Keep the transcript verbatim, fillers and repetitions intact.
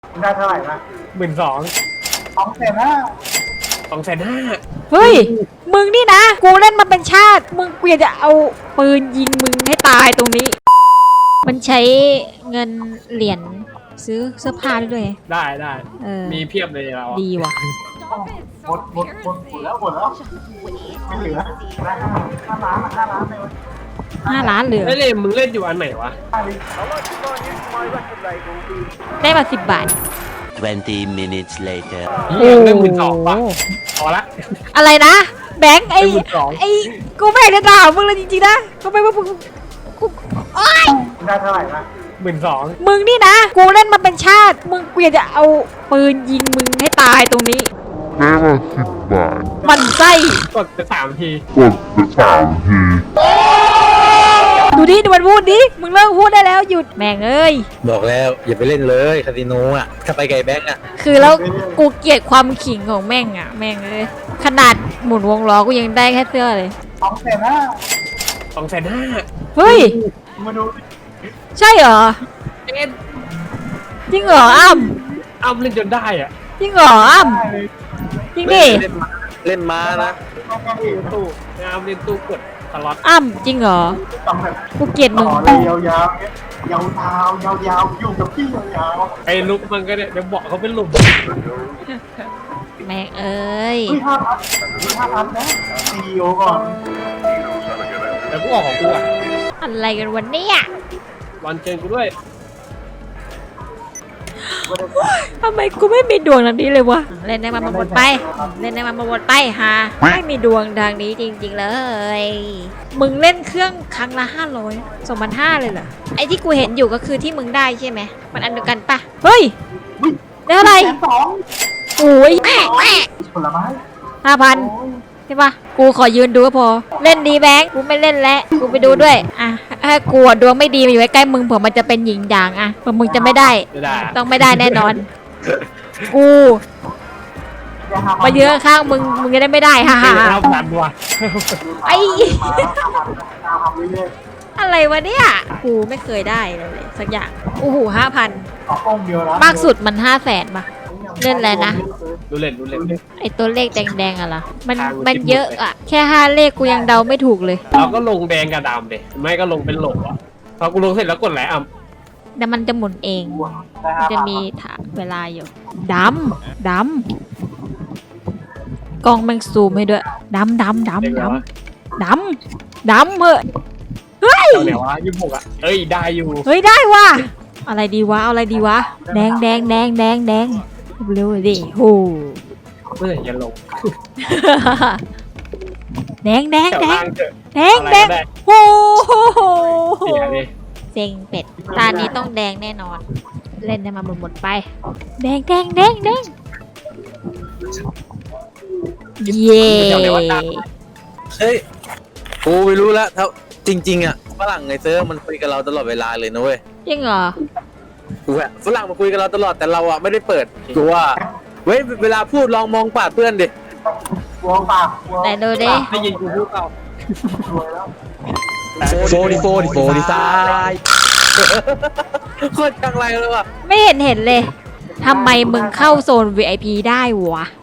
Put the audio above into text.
ได้เท่าไหร่นะหมื่นสองสองแสนห้าสองแสนห้าเฮ้ยมึงนี่นะกูเล่นมาเป็นชาติมึงเปลี่ยนจะเอาปืนยิงมึงให้ตายตรงนี้มันใช้เงินเหรียญซื้อเสื้อผ้าด้วยได้ได้เออมีเพียบเลยเราดีว่ะหมดหมดหมดหมดแล้วหมดแล้วไม่เหลือได้ห้าล้านห้าล้านเลยห้าล้านเหลือไม่เล่นมึงเล่นอยู่อันไหนวะได้มาสิบบาท twenty minutes later ได้หมื่นสองป่ะพอละอะไรนะแบงค์ไอ้ไอ้กูไม่ได้ด่ามึงเลยจริงๆนะก็ไม่ว่ามึงกูโอ๊ยได้เท่าไหร่นะหมื่นสองมึงนี่นะกูเล่นมาเป็นชาติมึงเปลี่ยนจะเอาปืนยิงมึงให้ตายตรงนี้ได้มาสิบบาทมันไส้กดไปสามทีกดไปสามทีดูดิดูมันพูดดิมึงเลิกพูดได้แล้วหยุดแม่งเอ้ยบอกแล้วอย่าไปเล่นเลยคาสิโนอ่ะถ้าไปไก่แบงก์อ่ะคือแล้วกูเกลียดความขิงของแม่งอ่ะแม่งเอ้ยขนาดหมุนวงล้อกูยังได้แค่เสื้อเลยสองแสนห้าสองแสนห้าเฮ้ยมาดูใช่เหรอจริงเหรออ้ำอ้ำเล่นจนได้อ่ะจริงเหรออ้ำจริงดิเล่นม้านะตู้งามเล่นตู้กดตลอดอ้ำจริงเหรอกูเกลียดมึงยาวยาวยาวยาวยาวยาวอยู่กับพี่ยาวไอ้ลุกมันก็เนี่ยเดี๋ยวบอกเขาเป็นลุมแม่เอ้ยเฮ้ยห้าพันห้าพันนะซีอีโอก่อนแต่กูออกของกูอ่ะอะไรกันวันนี้วันเจนกูด้วยทำไมกูไม่มีดวงทางนี้เลยวะเล่นได้มาหมดไปเล่นได้มาหมดไปฮะไม่มีดวงทางนี้จริงๆเลยมึงเล่นเครื่องครั้งละห้าร้อยสองพันห้าเลยเหรอไอ้ที่กูเห็นอยู่ก็คือที่มึงได้ใช่ไหมมันอันเดียวกันปะเฮ้ยได้อะไรโอ้ยแม่แม่ผลไม้ห้าพันใช่ปะกูขอยืนดูก็พอเล่นดีแบงค์กูไม่เล่นแล้วกูไปดูด้วยอ่ะถ้ากูดวงไม่ดีมาอยู่ใกล้ๆมึงเผื่อมันจะเป็นหญิงด่างอ่ะเผื่อมึงจะไม่ได้ต้องไม่ได้แน่นอนกูมาเยอะข้างมึงมึงจะได้ไม่ได้ฮ่าฮ่าไออะไรวะเนี่ยกูไม่เคยได้เลยสักอย่างโอ้โหห้าพันมากสุดมันห้าแสนป่ะเล่นอะไรนะดูเล่นดูเล่นไอตัวเลขแดงๆอะล่ะมันมันเยอะอะแค่ห้าเลขกูยังเดาไม่ถูกเลยเราก็ลงแดงกับดำเด็ไม่ก็ลงเป็นโหลอ่ะพอกูลงเสร็จแล้วกดแหลมแต่มันจะหมุนเองมันจะมีเวลาอยู่ดำดำกล้องมันซูมให้ด้วยดำดำดำดำดำดำเหอะเฮ้ยเดี๋ยววะยี่สิบหกอ่ะเอ้ยได้อยู่เฮ้ยได้ว่ะอะไรดีวะเอาอะไรดีวะแดงแดงแดงแดงแดงเร็วดิโหเมื่อไหร่จะลงแดงแดงแดงแดงแดงโอ้โหเซ็งเป็ดตานี้ต้องแดงแน่นอนเล่นได้มาหมดหมดไปแดงแดงแดงแดงเย่เฮ้ยกูไม่รู้แล้วถ้าจริงๆอ่ะฝรั่งไงเซิร์ฟมันคุยกับเราตลอดเวลาเลยนะเว้ยจริงเหรอกูอะฝรั่งมาคุยกับเราตลอดแต่เราอะไม่ได้เปิดกูว่าเว้ยเวลาพูดลองมองปากเพื่อนดิมองปากไหนดูดิได้ยินกูพูดเปล่าโฟดิโฟดิโฟดิซายโคตรจังไรเลยว่ะไม่เห็นเห็นเลยทำไมมึงเข้าโซน วี ไอ พี ได้วะ